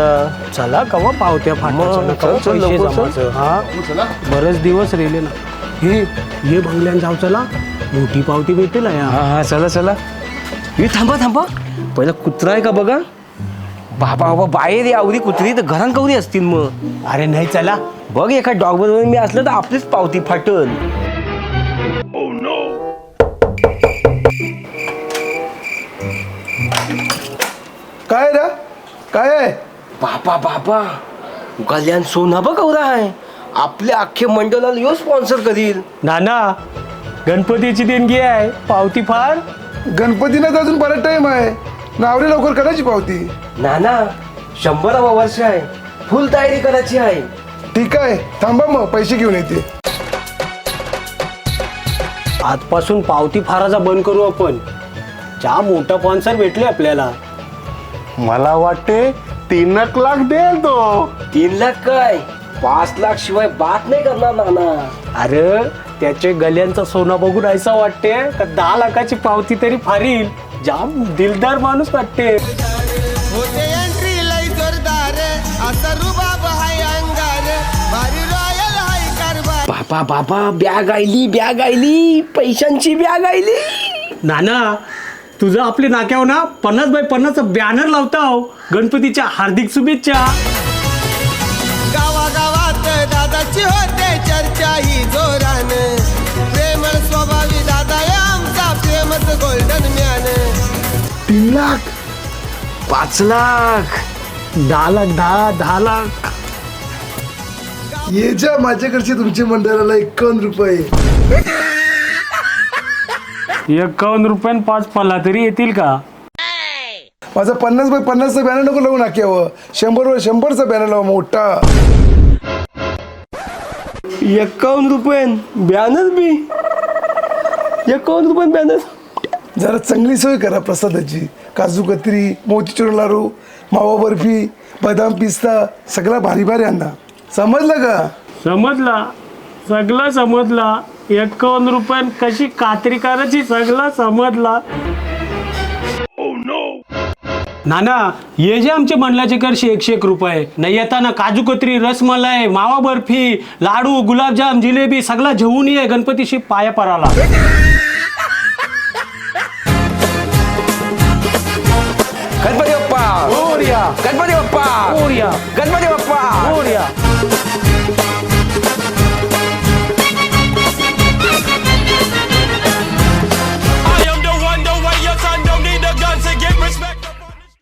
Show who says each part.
Speaker 1: दादा.
Speaker 2: चला कवा पावत्या फाटायचं
Speaker 1: चल, चल,
Speaker 2: पैसे
Speaker 1: लवकर चल.
Speaker 2: जमायचं. हा बरेच दिवस राहिले ना. ये बंगल्यान जाऊ चला, मोठी पावती भेटेल या.
Speaker 1: हा चला चला. हे थांबा पहिला कुत्रा आहे का बघा. बाबा बाहेर आवरी कुत्री तर घरात कवरी असतील मग.
Speaker 2: अरे नाही चला.
Speaker 1: बघ एका डॉग बरोबर मी असलं तर आपलीच पावती फाटल.
Speaker 3: काय रे काय आहे?
Speaker 1: बाबा कल्याण सोना बघ कवरा आहे. आपल्या अख्खे मंडळाला यो स्पॉन्सर करील.
Speaker 2: नाना गणपतीची देणगी आहे, पावती फार.
Speaker 3: गणपतीला तर अजून बराच टाइम आहे. नावरे लवकर करायची पावती.
Speaker 1: नाना 100वा वर्ष आहे, फुल तयारी करायची आहे.
Speaker 3: ठीक आहे थांबा मग पैसे घेऊन येते.
Speaker 2: आजपासून पावती फाराचा बंद करू आपण. ज्या मोठा स्पॉन्सर भेटले आपल्याला.
Speaker 4: मला वाटते 3 लाख देईल तो.
Speaker 1: 3 लाख काय 5 लाख शिवाय बात नाही करणार नाना.
Speaker 2: अरे त्याचे गल्यांचा सोना बघून ऐसा वाटते का 10 लाखाची पावती तरी फारील. जाम दिलदार माणूस वाटते.
Speaker 5: होते एंट्री लई जोरदार असा रुबाब हाय अंगार भारी रॉयल हाय कारभार.
Speaker 1: बाबा बॅग आयली पैशांची बॅग आयली.
Speaker 2: नाना तुझं आपल्या नाक्यावर ना 50x50 बॅनर लावताव. गणपतीच्या हार्दिक शुभेच्छा.
Speaker 5: गावागावात दादाची होते चर्चा ही जोरान प्रेमळ स्वभावी दादा या आमचा प्रेमच गोल्डन मॅन.
Speaker 3: 3 लाख
Speaker 1: 5 लाख
Speaker 2: 10 लाख 10 लाख.
Speaker 3: ये जा माझ्याकडचे तुमच्या मंडळाला 51 रुपये.
Speaker 2: 51 रुपयान 5 पल्ला तरी येतील का?
Speaker 3: माझा 50x50चा बॅनर नको लावू नाक्यावर. 100x100चा बॅनर लावा मोठा.
Speaker 1: 51 रुपये बॅनर बी. 51 रुपये बॅनर.
Speaker 3: जरा चांगली सोय करा प्रसादाची. काजू कतरी, मोतीचूर लाडू, मावा बर्फी, बदाम पिस्ता सगळा भारी भारी आणा. समजलं का?
Speaker 2: समजला, सगळं समजला. 51 रुपयान कशी कात्री करायची सगळं समजला. नाना ये जे आमचे मंडळाचे करशे 101 रुपये. नाही येताना काजू कतरी, रसमलाई, मावा बर्फी, लाडू, गुलाबजाम, जिलेबी सगळा घेऊन ये गणपतीशी पाया पराला.
Speaker 1: गणपती बाप्पा
Speaker 2: मोरया.
Speaker 1: गणपती बाप्पा
Speaker 2: मोरया.
Speaker 1: गणपती बाप्पा.
Speaker 2: मोरया.